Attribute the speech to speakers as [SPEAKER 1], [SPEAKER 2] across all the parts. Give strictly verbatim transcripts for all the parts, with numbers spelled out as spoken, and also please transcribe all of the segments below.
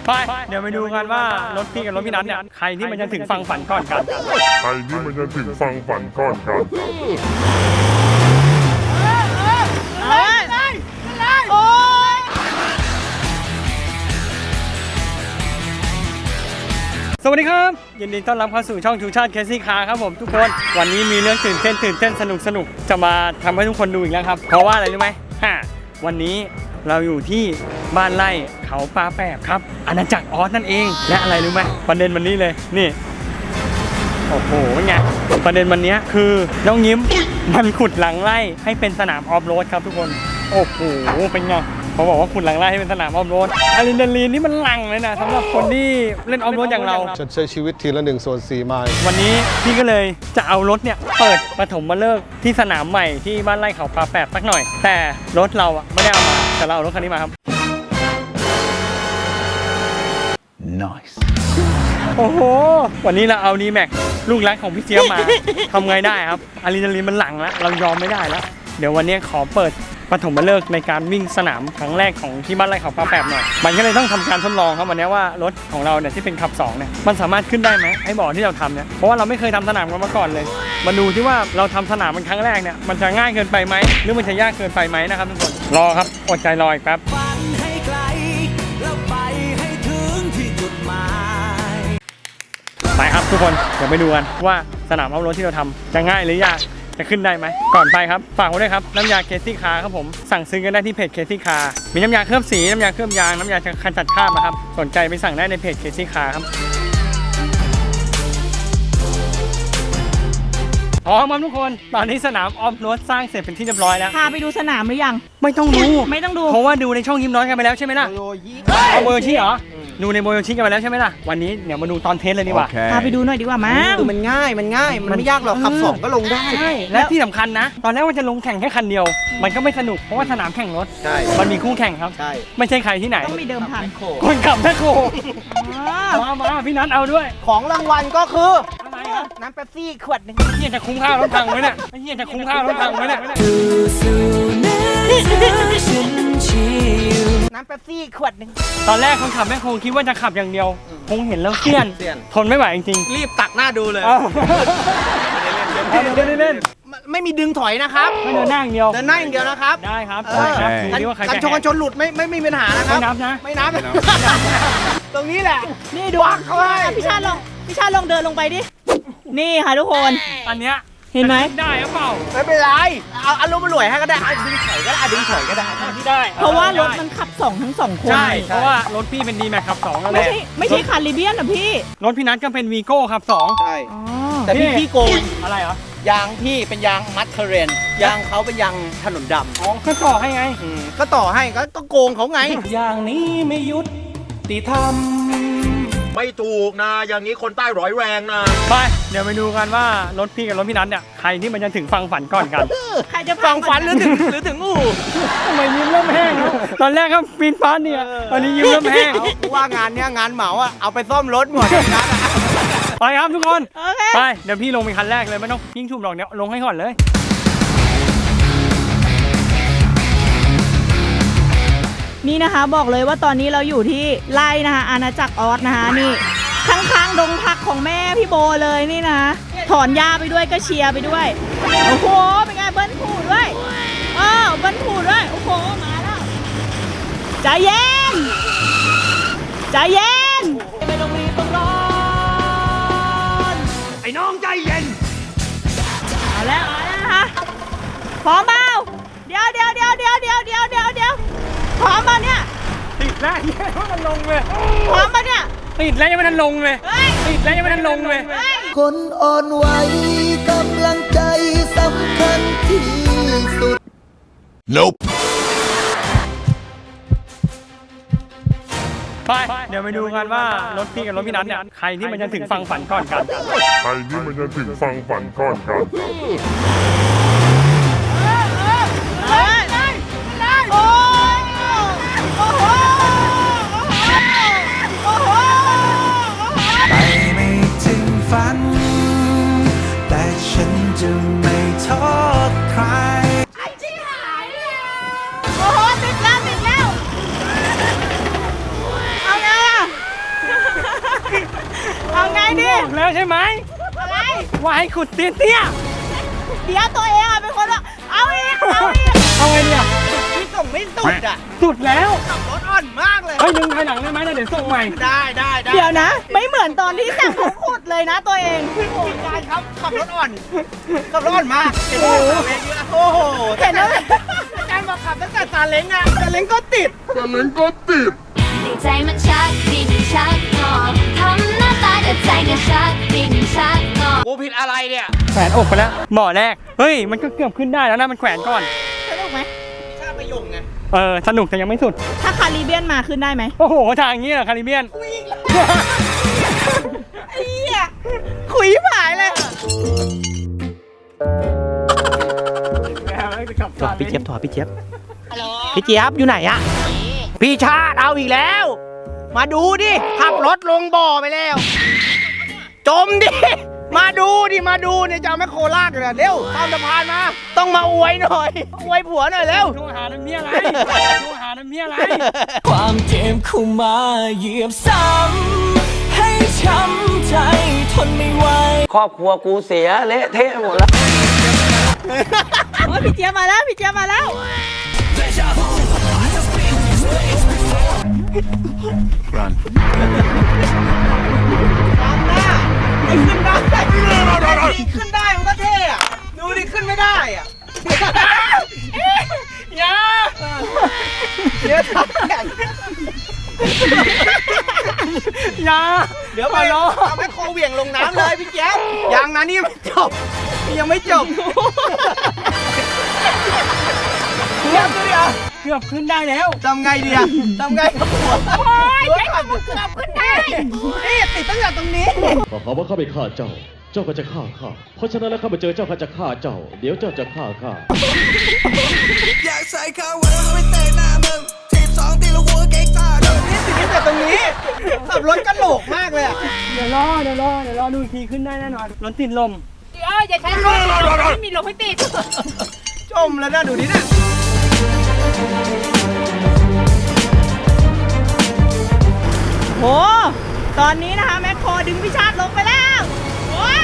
[SPEAKER 1] ไปเดี๋ยวไปดูกันว่ารถพี่กับรถพี่นัทเนี่ยใครที่มันจะถึงฟังฝันก่อนกัน
[SPEAKER 2] ใครที่มันจะถึงฟังฝันก่อนกัน
[SPEAKER 1] สวัสดีครับยินดีต้อนรับเข้าสู่ช่องชูชาติเคซี่คาร์ครับผมทุกคนวันนี้มีเรื่องตื่นเต้นตื่นเต้นสนุกสนุกจะมาทำให้ทุกคนดูอีกแล้วครับเพราะว่าอะไรรู้ไหมฮะวันนี้เราอยู่ที่บ้านไร่เขาปลาแปบครับอาณาจักรออสนั่นเองและอะไรรู้ไหมประเด็นวันนี้เลยนี่โอ้โหเป็นไงประเด็นวันนี้คือน้องยิ้มมันขุดหลังไร่ให้เป็นสนามออฟโรดครับทุกคนโอ้โหเป็นไงเขาบอกว่าขุดหลังไร่ให้เป็นสนามออฟโรดอะดรีนาลีนนี่มันหลั่งเลยนะสำหรับคนที่เล่นออฟโรดอย่างเรา
[SPEAKER 3] ฉันใช้ชีวิตทีละหนึ่งส่วนสี่ไมล์
[SPEAKER 1] วันนี้พี่ก็เลยจะเอารถเนี่ยเปิดปฐมฤกษ์ที่สนามใหม่ที่บ้านไร่เขาปลาแปบสักหน่อยแต่รถเราอะไม่ได้เอามาแต่เราเอารถคันนี้มาครับ
[SPEAKER 4] Nice
[SPEAKER 1] โอ้โหวันนี้เราเอาดีแม็กลูกรักของพี่เจี๊ยบมาทำไงได้ครับอะดรีนาลีนมันหลั่งแล้วเรายอมไม่ได้แล้วเดี๋ยววันนี้ขอเปิดปฐมฤกษ์ในการวิ่งสนามครั้งแรกของที่บ้านไร่เขาปลาแปบหน่อยมันก็เลยต้องทำการทดลองครับวันนี้ว่ารถของเราเนี่ยที่เป็นขับสองเนี่ยมันสามารถขึ้นได้ไหมไอ้บ่อที่เราทำเนี่ยเพราะว่าเราไม่เคยทำสนามกันมาก่อนเลยมาดูที่ว่าเราทำสนามมันครั้งแรกเนี่ยมันจะง่ายเกินไปไหมหรือมันจะยากเกินไปไหมนะครับทุกคนรอครับอดใจรออีกแป๊บไปครับทุกคนเดี๋ยวไปดูกันว่าสนามเอารถที่เราทำจะง่ายหรือยากจะขึ้นได้ไหมก่อนไปครับฝากไว้ด้วยครับน้ำยาเคซี่คาร์ครับผมสั่งซื้อกันได้ที่เพจเคซี่คาร์มีน้ำยาเคลือบสีน้ำยาเคลือบยางน้ำยาขจัดคราบนะครับสนใจไปสั่งได้ในเพจเคซี่คาร์ครับพร้อมครับทุกคนตอนนี้สนามออฟโรดสร้างเสร็จเป็นที่เรียบร้อยแล้ว
[SPEAKER 5] พาไปดูสนามหรือยัง
[SPEAKER 1] ไม่ต้องดู
[SPEAKER 5] ไม่ต้องดู
[SPEAKER 1] เพราะว่าดูในช่องยิ้มน้อยกันไปแล้วใช่ไหมล่ะเอาโบโยชิเหรอดูในโบโยชิกันไปแล้วใช่ไหมล่ะวันนี้เดี๋ยวมาดูตอนเทสเลยดีกว่า
[SPEAKER 5] พาไปดูหน่อยดีกว่ามั้ง
[SPEAKER 6] มันง่ายมันง่ายมันไม่ยากหรอกขับสองก็ลงได้
[SPEAKER 1] ใช่และที่สำคัญนะตอนแรกว่าจะลงแข่งแค่คันเดียวมันก็ไม่สนุกเพราะว่าสนามแข่งรถ
[SPEAKER 6] ใช่
[SPEAKER 1] มันมีคู่แข่งครับ
[SPEAKER 6] ใช่
[SPEAKER 1] ไม่ใช่ใครที่ไหน
[SPEAKER 5] ต้องมีเดิมพัน
[SPEAKER 1] คนขับแม่โคมามาพี่นัทเอาด้วย
[SPEAKER 6] ของรางวัลก็คือ
[SPEAKER 1] อะไรครับ
[SPEAKER 6] น้ำเป๊ปซี่ขวดหนึ่ง
[SPEAKER 1] เฮียจะคุ้มค่ารถพังไหมเนี่ยเฮียจะคุ้มค่ารถพังไหมเนี่ย
[SPEAKER 6] น้ำเป๊ปซี่ขวดหนึ่ง
[SPEAKER 1] ตอนแรกคนขับแม่โคคิดว่าจะขับอย่างเดียวคงเห็นแล้วเสี้ยนทนไม่ไหวจริง
[SPEAKER 6] ๆรีบตักหน้าดูเลย
[SPEAKER 1] เล่นเล่น
[SPEAKER 6] ไม่มีดึงถอยนะครับ
[SPEAKER 1] ไม่เดินหน้าอย่างเดียว
[SPEAKER 6] เดินหน้าอย่างเดียวนะครับ
[SPEAKER 1] ได้ครับ
[SPEAKER 6] กันชนกันชนหลุดไม่ไม่มีปัญหานะครับ
[SPEAKER 1] ไม่นับนะ
[SPEAKER 6] ไม่นับตรงนี้แหละ
[SPEAKER 5] นี่ดูพี่ชาติลองพี่ชาติลองเดินลงไปดินี่ค่ะทุกคน
[SPEAKER 1] อันเนี้ย
[SPEAKER 5] เห็นไหม
[SPEAKER 1] ได้หรือเปล่า
[SPEAKER 6] ไม่เป็นไรเอาอารมณ์มันรวยให้ก็ได้ดึงถอยก็ได้ดึงถอยก็ได้
[SPEAKER 1] ที่ได้
[SPEAKER 5] เพราะว่ารถมันขับสองทั้งสองคน
[SPEAKER 1] ใช่เพราะว่ารถพี่เป็นดีแม็กขับสองแล้ว
[SPEAKER 5] ไม่ใช่ไม่ใช่คาริเบียนนะพี่
[SPEAKER 1] รถพี่นัทก็เป็นวีโก้ขับสอง
[SPEAKER 6] ใช่แต่พี่พี่โกง
[SPEAKER 1] อะไรเหรอย
[SPEAKER 6] างพี่เป็นยางมัดเทเรนยางเขาเป็นยางถนนดำ
[SPEAKER 1] อ๋อก็ต่อให้ไง
[SPEAKER 6] ก็ต่อให้ก็โกงเขาไง
[SPEAKER 4] อย่างนี้ไม่ยุติธรรม
[SPEAKER 3] ไม่ถูกนะอย่างนี้คนใต้ร้อยแรงนะ
[SPEAKER 1] ไปเดี๋ยวไปดูกันว่ารถพี่กับรถพี่นัทเนี่ยใครที่มันจะถึงฟังฝันก่อนกัน
[SPEAKER 5] ใครจะ
[SPEAKER 6] ฟังฝันหรือถึงหรือถึงอู้
[SPEAKER 1] ทำไมยิ้มเริ่มแห้งตอนแรกก็ปีนฟ้าเนี่ยตอนนี้ยิ้มเริ่มแห้ง
[SPEAKER 6] ว่างานเนี้ยงานเหมาอ่ะเอาไปซ่อมรถหมดนะ
[SPEAKER 1] ไปครับทุกคนไปเดี๋ยวพี่ลงเป็นคันแรกเลยไม่ต้องยิ่งชุ่มหรอกเดี๋ยวลงให้ก่อนเลย
[SPEAKER 5] นี่นะคะบอกเลยว่าตอนนี้เราอยู่ที่ไร่นะคะอาณาจักรออสนะคะนี่ข้างๆดงผักของแม่พี่โบเลยนี่นะถอนหญ้าไปด้วยก็เชียร์ไปด้วยโอ้โหเป็นไงเบิ้ลผูดด้วยอ้าวเบิ้ลผูดด้วยโอ้โหมาแล้วใจเย็นใจเย็นไม่ต้องรีบต้องร้อน
[SPEAKER 1] ไอ้น้องใจเย็น
[SPEAKER 5] เอาแล้วเอาแล้วนะคะพร้อมเปล่าเดี๋ยวเดี๋ยวเดี๋ยวเดี๋ยวเดี๋ยวเดี๋ยวเดี๋ยวเดี๋ยวพร้อมป่ะเนี่ย
[SPEAKER 1] ติดแล้วยังไม่ทันลงเลย
[SPEAKER 5] พร้อมป่ะเนี่ย
[SPEAKER 1] ติดแล้วยังไม่ทันลงเลยติดแล้วยังไม่ทันลงเลย
[SPEAKER 7] คนอ่อนไหวกำลังใจสำคัญที่สุด
[SPEAKER 4] Nope
[SPEAKER 1] ไปเดี๋ยวไปดูกันว่ารถพี่กับรถพี่นัทเนี่ยใครที่มันจะถึงฟังฝันก่อนกัน
[SPEAKER 2] ใครที่มันจะถึงฟังฝันก่อนกัน
[SPEAKER 4] แต่ฉันจะไม่โทษใคร
[SPEAKER 5] ไอ้ชิบหายเลยโอ้โหติดแล้วติดแล้วเอาไงอะ
[SPEAKER 1] บอกแล้วใช่ไหม
[SPEAKER 5] อะไร
[SPEAKER 1] ว่าให้ขุดเตี้ยเตี้ย
[SPEAKER 5] เดี๋ยวตัวเองอ่ะเป็นคนว่าเอาอีกเอาอีก
[SPEAKER 1] ๆเอาไงเนี่ย
[SPEAKER 6] พี่ส่งไม่สุดอ่ะ
[SPEAKER 1] สุดแล้ว
[SPEAKER 6] ขับรถอ่อนมากเลย
[SPEAKER 1] เฮ้ยดึงภายหลังได้ไหมนะเดี๋ยวส่งใหม่
[SPEAKER 6] ได้ได้ได้
[SPEAKER 5] เดี๋ยวนะ ไม่เหมือนตอนที่สั่งเขาขุดเลยนะตัวเอง
[SPEAKER 6] โอ้ยการครับขับรถอ่อนขับรถอ่อนมากเห็นไหมขับเองอยู่แล้วโอ้โห
[SPEAKER 5] เห็นไหม
[SPEAKER 6] การบอกขับตั้งแต่ซาเล้งอะซาเล้งก็ติด
[SPEAKER 8] ใจมันชักดิ้นชักงอทำหน้าตาแต่ใจก็ชักดิ้นชักงอ
[SPEAKER 6] กูผิดอะไรเนี่ย
[SPEAKER 1] แขวนอกไปแล้วหมอแรกเฮ้ยมันก็เกือบขึ้นได้แล้วนะมันแขวนก่อน
[SPEAKER 5] สนุกไหม
[SPEAKER 6] ชาติประยงไง
[SPEAKER 1] เออสนุกแต่ยังไม่สุด
[SPEAKER 5] ถ้าคาริเบียนมาขึ้นได้ไหม
[SPEAKER 1] โอ้โหทางอย่างนี้เหรอคาริเบียน
[SPEAKER 5] ไอ้เหี้ยขุยหายเลย
[SPEAKER 6] โทรพี่เจี๊ยบโทรพี่เจี๊ยบพี่เจี๊ยบอยู่ไหนอะพี่ชาติเอาอีกแล้ว มาดูดิขับรถลงบ่อไปแล้ว จมดิ มาดูดิมาดูเนี่ยจะเอาแมคโครลากเลยเร็วข้ามสะพานมา ต้องมาอวยหน่อยอวยผัวหน่อยเร็ว
[SPEAKER 1] โทรหาน้ำเมียอะไรโทรหาน้ำเมียอะไร
[SPEAKER 4] ความเจ็บเข้ามาเหยียบซ้ำให้ช้ำใจทนไม่ไหว
[SPEAKER 9] ครอบครัวกูเสียเละเทะหมดแล้ว
[SPEAKER 5] โอ้ยพี่เจี๊ยบมาแล้วพี่เจี๊ยบมาแล้ว
[SPEAKER 6] ขึ้นได้ขึ้นได้มันก็เท่อะดูดิขึ้นไม่ได้อะ
[SPEAKER 1] อย่า
[SPEAKER 6] เดี๋ยวทำแข่ง
[SPEAKER 1] อย่า
[SPEAKER 6] เดี๋ยวไปเอาแมคโครเหวี่ยงลงน้ำเลยพี่แจ๊คยังนะนี่ไม่จบนี่ยังไม่จบเดี๋ยวเดี๋ยว
[SPEAKER 1] เกือบขึ้นได้แล้ว
[SPEAKER 6] ทำไงดีอะทำไงกับหัวโอ้ยใช้กับหัวเกือบขึ้นได้นี่ติดตั้งแต่ตรงนี้
[SPEAKER 10] ก็หาว่าข้าไปฆ่าเจ้า เจ้าก็จะฆ่าข้า เพราะฉะนั้นแล้วข้ามาเจอเจ้าข้าจะฆ่าเจ้า เดี๋ยวเจ้าจะฆ่าข้า
[SPEAKER 4] อยากใส่ข้าวไว้แล้วไม่เตะหน้ามึงทีบสองตีละหัวเก๊กตาโดน
[SPEAKER 6] นี่ติดตั้งแต่ตรงนี้ขับรถกระโหลกมากเลยอะ
[SPEAKER 1] เดี๋ยวรอเดี๋ยวรอเดี๋ยวรอดูอีกทีขึ้นได้แน่นอนรถติดลม
[SPEAKER 5] เดี๋ยวอย่าใช้รถไม่มีลมให้ติด
[SPEAKER 6] จมแล้วนะดูดินะ
[SPEAKER 5] โห ตอนนี้นะคะแมคโครดึงพิชาติลงไปแล้วว้าว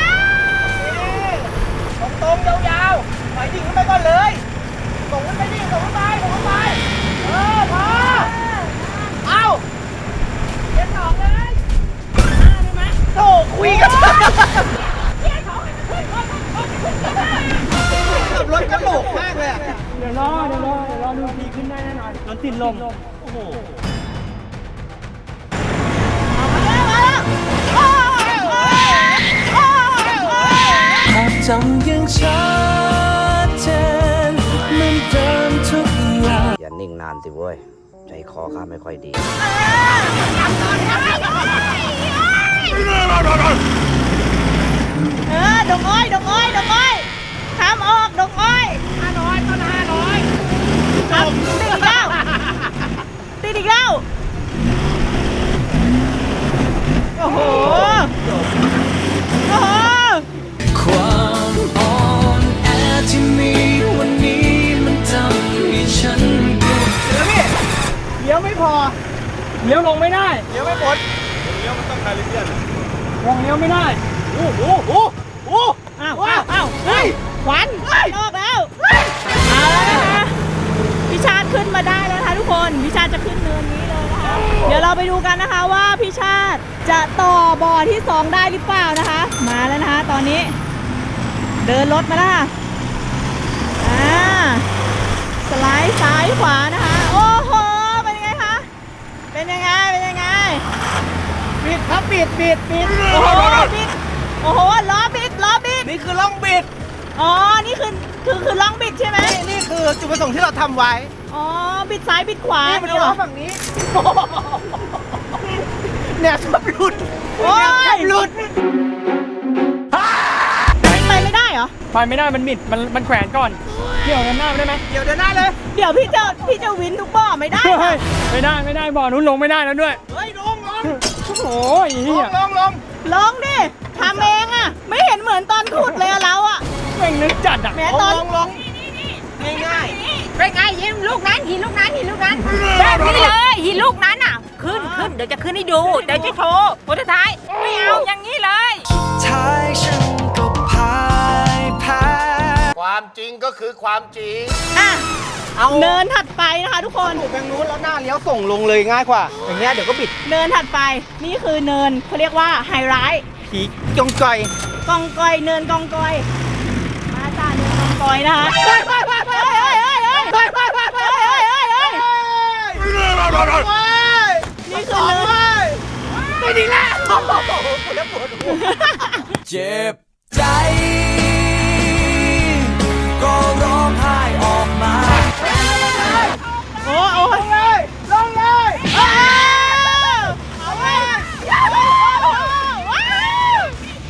[SPEAKER 6] ตรงๆยาวๆไปดิ่งขึ้นไปก่อนเลยส่งขึ้นไปดิส่งขึ้นไปส่งขึ้นไปเออพอเอาเย็นสองเลยได้ไหมโธ่คุยกันขับรถกระโหลกมากเลยอะ
[SPEAKER 1] เดี๋ยวรอเดี๋ยวรอเดี๋ยวรอดูอีกทีขึ้นได้แน่นอนรถติดลมโอ้โห
[SPEAKER 4] ภาพจำยังชัดเจนเหมือนเดิมทุกอย่าง
[SPEAKER 9] อย่านิ่งนานสิเว้ย ใจคอข้าไม่ค่อยดี
[SPEAKER 5] เออดงอ้อยดงอ้อยดงอ้อยทำออกดงอ้อย
[SPEAKER 6] ห้าร้อยต้นห้าร้อย
[SPEAKER 5] ครับติดอีกแล้วติดอีกแล้วโอ้โหโอ้โห
[SPEAKER 4] ความอ่อนแอที่มีวันนี้มันทำให้ฉันเกิด
[SPEAKER 6] เดี๋ยวพี่เลี้ยวไม่พอ
[SPEAKER 1] เลี้ยวลงไม่ได้
[SPEAKER 6] เลี้ยวไม่พ้น
[SPEAKER 1] ลงเลี้ยวไม่ได้
[SPEAKER 6] โอ้โหโอ้โห
[SPEAKER 5] อ้าวอ้าวอ้าวเฮ้ยควันออกแล้วเอาแล้วนะคะพี่ชาติขึ้นมาได้แล้วนะคะทุกคนพี่ชาติจะขึ้นเนินนี้เลยนะคะเดี๋ยวเราไปดูกันนะคะว่าพี่ชาติจะต่อบ่อที่สองได้หรือเปล่านะคะ มาแล้วนะคะตอนนี้ เดินรถมาแล้วค่ะอ่าสไลด์ซ้ายขวานะคะโอ้โหเป็นยังไงคะเป็นยังไงเป็นยังไง
[SPEAKER 6] ปิดครับปิดปิดปิด
[SPEAKER 5] โอ้โหบิดโอ้โหล้อบิดล้อบิด
[SPEAKER 6] นี่คือล่องบิด
[SPEAKER 5] อ๋อ นี่คือ คือ คือล่องบิดใช่ไหม
[SPEAKER 6] นี่นี่คือจุดประสงค์ที่เราทำไว้
[SPEAKER 5] อ๋อ บิดซ้ายบิดขวา
[SPEAKER 6] นี่มาดู
[SPEAKER 5] เหรอ
[SPEAKER 6] ฝั่งนี้เนี่ยชอบหลุด
[SPEAKER 5] โอ้ย
[SPEAKER 6] หลุด
[SPEAKER 5] ไปไม่ได้เหรอ
[SPEAKER 1] ไปไม่ได้มันมิดมันมันแขวนก่อนเกี่ยวกันหน้าไม่ได้ไหม
[SPEAKER 6] เดี๋ยวเดินหน้าเลย
[SPEAKER 5] เดี๋ยวพี่จะ พี่จะวินทุกบ่อไม่ได้
[SPEAKER 1] เฮ้
[SPEAKER 5] นะ
[SPEAKER 1] ยไม่ได้ไม่ได้บ่อนู้นลงไม่ได้แล้วด้วย
[SPEAKER 6] เฮ้ยลงลง
[SPEAKER 1] โอ้ย
[SPEAKER 6] ล
[SPEAKER 1] เฮี
[SPEAKER 6] ง
[SPEAKER 1] ย
[SPEAKER 6] ลงลง
[SPEAKER 5] ลองดิทำเองอะไม่เห็นเหมือนตอนขุดเลยอะเราอะ
[SPEAKER 1] แม่งนึกจัดอ่ะ
[SPEAKER 5] แหม
[SPEAKER 6] ล
[SPEAKER 5] ตอน
[SPEAKER 6] งลงง่ายง่าย
[SPEAKER 5] เป็นไงหินลูกนั้นหินลูกนั้นหินลูกนั้นแบบนี้เลยหินลูกนั้นอะ
[SPEAKER 6] ขึ้นขึ้นเดี๋ยวจะขึ้นให้ดูเดี๋ยวจะโชว์โพสท้ายไม่เอาอย่างนี้เลย
[SPEAKER 4] ท้ายฉันก็พ่ายแพ้
[SPEAKER 3] ความจริงก็คือความจริง
[SPEAKER 5] อ่ะ
[SPEAKER 6] เอา
[SPEAKER 5] เนินถัดไปนะคะทุกคน
[SPEAKER 6] ถูกทางนู้นแล้วหน้าเลี้ยวส่งลงเลยง่ายกว่า อย่างเงี้ยเดี๋ยวก็บิด
[SPEAKER 5] เนินถัดไปนี่คือเนินเขาเรียกว่าไฮไลท์
[SPEAKER 6] ผีจงจ่อย
[SPEAKER 5] กองกอยเนินกองกอยมาจ้าเนินกองกอยนะคะเฮ้ยเฮ้ยเฮ้ยเฮ้ยเฮ้ยเฮ้ยเฮ้ยเฮ้ยเฮ้ยเฮ้ยเฮ้ยเฮ้ยเฮ้ยเฮ้ยนี่คือเนิน
[SPEAKER 6] ไม่ดีแล้วโอ้โหปวดแล้วปวดหัว
[SPEAKER 4] เจ็บใจ ก็ร้องไห้ออกมา
[SPEAKER 5] โอ้โอ้ลงเลยลงเลยเอาเลยว้าว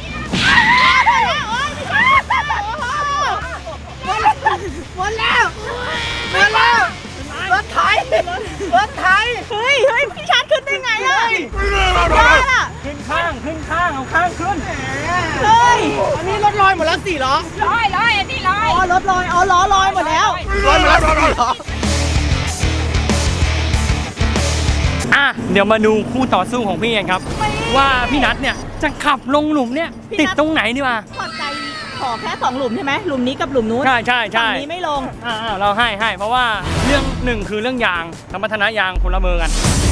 [SPEAKER 5] หมดแล้วหมดแล้วรถไถรถไถเฮ้ยเฮ้ยพี่ชาร์จขึ้นได้ไงอ่ะได้ล่ะ
[SPEAKER 1] ขึ้นข้างขึ้นข้างเอาข้างขึ้น
[SPEAKER 5] เฮ้ย
[SPEAKER 6] อันนี้รถลอยหมดแล้วสี่ล้อ
[SPEAKER 5] ลอยลอยอันนี้ลอยอ๋อรถลอยอ๋อล้อลอยหมดแล้ว
[SPEAKER 6] ลอยหมดแล้วสี่ล้อ
[SPEAKER 1] อ่ะเดี๋ยวมาดูคู่ต่อสู้ของพี่กันครับ ว่าพี่นัทเนี่ยจะขับลงหลุมเนี่ยติดตรงไหนดีวะ
[SPEAKER 5] ถอดใจขอแค่สองหลุมใช่ไหมหลุมนี้กับหลุมนู้น
[SPEAKER 1] ใช่ใช่ใช่
[SPEAKER 5] ฝั่งนี้ไม่ลง
[SPEAKER 1] อ่าๆเราให้ให้เพราะว่าเรื่องหนึ่งคือเรื่องยางสมรรถนะยางคนละเบอร์กัน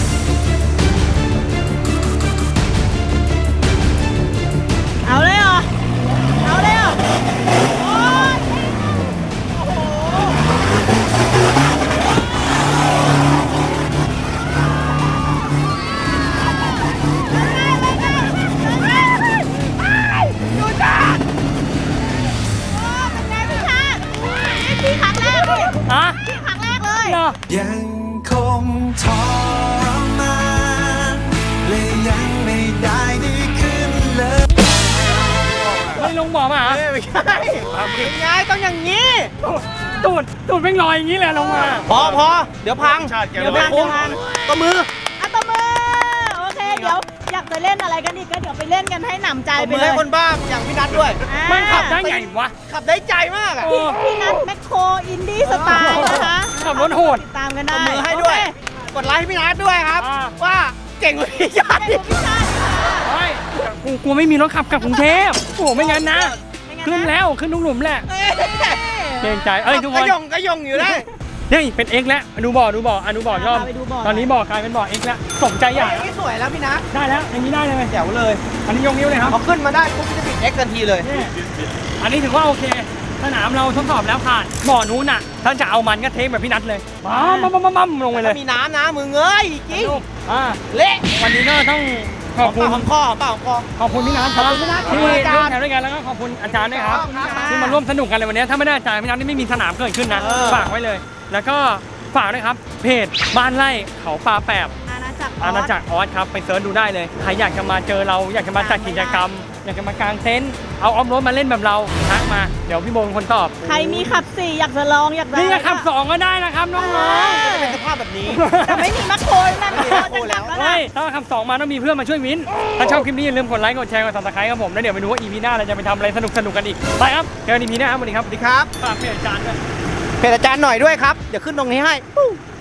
[SPEAKER 5] เอาเลยเหรอ เอาเลยเหรอโอ๊ยโอ้โหดูจ้าโอ้เป็นไงพี่ชาตินี่พี่ครั้งแรกเลย
[SPEAKER 1] อ่ะ
[SPEAKER 5] พี่ครั้งแรกเลย
[SPEAKER 1] เหรอ
[SPEAKER 4] ยังคงทรมานและยังไม่ได้ดีขึ้นเลย
[SPEAKER 1] ไม่ลงบ่อมาเหรอ
[SPEAKER 6] ไม่ใช่เป็นไงต้องอย่างนี้
[SPEAKER 1] ตูดตูดเป็นรอยอย่างนี้เลยลงมา
[SPEAKER 6] พอพอเดี๋ยวพัง
[SPEAKER 5] เดี๋ยวพังเดี๋ยวพัง
[SPEAKER 6] ก็มือ
[SPEAKER 5] อ่ะตบมือโอเค เดี๋ยวอยากจะเล่นอะไรกันอีกก็เดี๋ยวไปเล่นกันให้หนำใจ
[SPEAKER 6] เอา
[SPEAKER 5] ไป
[SPEAKER 6] มือ
[SPEAKER 5] เล
[SPEAKER 6] ให้
[SPEAKER 5] ย
[SPEAKER 6] คนบ้าอย่างพี่นัทด้วย
[SPEAKER 5] อ่า
[SPEAKER 1] มันขับได้ไงวะ
[SPEAKER 6] ขับได้ใจมากอ่ะ
[SPEAKER 1] โอ้
[SPEAKER 5] พี่พี่นัทแมคโครอินดี้สไตล์นะคะ
[SPEAKER 1] ขับรถโหด
[SPEAKER 5] ติดตามกันได้
[SPEAKER 6] เอามือให้ด้วย
[SPEAKER 5] โอเค
[SPEAKER 6] กดไลค์ให้พี่นัทด้วยครับ
[SPEAKER 1] อ่า
[SPEAKER 6] ว่าเก่งกว่าพี่ชาติ
[SPEAKER 5] เล่นกับพี่ชาติค่ะ
[SPEAKER 1] เฮ้ยกูกูไม่มีรถขับกลับกรุงเทพโอ้โหไม่งั้นนะ
[SPEAKER 5] ไม่งั้นนะ
[SPEAKER 1] ขึ้นแล้วขึ้นทุกหลุมแหละเกรงใจเอ้ยทุกค
[SPEAKER 6] ก็
[SPEAKER 1] น
[SPEAKER 6] ยงก็ยงอยู่ได้
[SPEAKER 1] นี่เป็น X แล้วดูบ่อดูบ่ออ่ะดูบ่อยอม
[SPEAKER 5] พาไปดูบ่อ
[SPEAKER 1] ตอนนี้บ่อกลายเป็นบ่อ X แล้วสมใจอยาก
[SPEAKER 6] นี่สวยแล้วพี่นัท
[SPEAKER 1] ได้แล้วอย่างนี้ได้เลย
[SPEAKER 6] แจ๋วเลย
[SPEAKER 1] อันนี้ยกนิ้วเลยครับ
[SPEAKER 6] พอขึ้นมาได้ปุ๊บจะติด X ทันทีเลย
[SPEAKER 1] นี่อันนี้ถือว่าโอเคสนามเราทดสอบแล้วผ่านบ่อนู้นน่ะถ้าจะเอามันก็เทคแบบพี่นัทเลยปั๊มปั๊มปั๊มปั๊มลงไปเลย
[SPEAKER 6] มีน้ำนะมือเงยจริง
[SPEAKER 1] อ่า
[SPEAKER 6] เละ
[SPEAKER 1] วันนี้ก็ต้องขอบคุณ
[SPEAKER 6] ของคอของเปล่าของคอ
[SPEAKER 1] ขอบคุณพี่นัทครับ
[SPEAKER 6] ขอบคุณพี่นัท
[SPEAKER 1] ที่
[SPEAKER 6] ขอบคุณอาจารย์
[SPEAKER 1] ร่วมแถวด้วยกันแล้วก็ขอบคุณอาจารย์ด้วยครับ
[SPEAKER 6] ขอบคุณครับ
[SPEAKER 1] ที่มาร่วมสนุกกันเลยวันนี้ถ้าไม่ได้อาจารย์พี่นัทนี่ไม่มีสนามเกิดขึ้นนะ
[SPEAKER 6] เออ
[SPEAKER 1] ฝากไว้เลย แล้วก็ฝากด้วยครับเพจบ้านไร่เขาปลาแปบ
[SPEAKER 5] อาณาจักร
[SPEAKER 1] อาณาจักรออสครับไปเซิร์ชดูได้เลยใครอยากจะมาเจอเราอยากจะมาจัดกิจกรรม อยากจะมากางเต็นท์เอาออฟโรดมาเล่นแบบเราทักมาเดี๋ยวพี่โบเป็นคนตอบ
[SPEAKER 5] ใครมีขับสี่อยากจะลองอยากจะ
[SPEAKER 1] นี่จะขับสองก็ได้นะครับน้อง
[SPEAKER 6] จะเป็นสภาพแบบนี้
[SPEAKER 5] แต่ไม่มีแมคโครนั่นแมคโครจะจับแล้ว
[SPEAKER 1] ๆ
[SPEAKER 5] นะ
[SPEAKER 1] เฮ้ยถ้าขับสองมาต้องมีเพื่อนมาช่วยวินถ้าชอบคลิปนี้อย่าลืมกดไลค์กดแชร์กดซับสไครต์ครับผมแล้วเดี๋ยวไปดูว่า อี พี หน้าเราจะไปทำอะไรสนุกสนุกๆกันอีกไปครับเจอกัน อี พี หน้าครับสวัสดีครับ
[SPEAKER 6] สวัสดีครับ
[SPEAKER 1] ฝากเพจอาจารย์ด้วย
[SPEAKER 6] เพจอาจารย์หน่อยด้วยครับ เดี๋ยวขึ้นตรงนี้ให้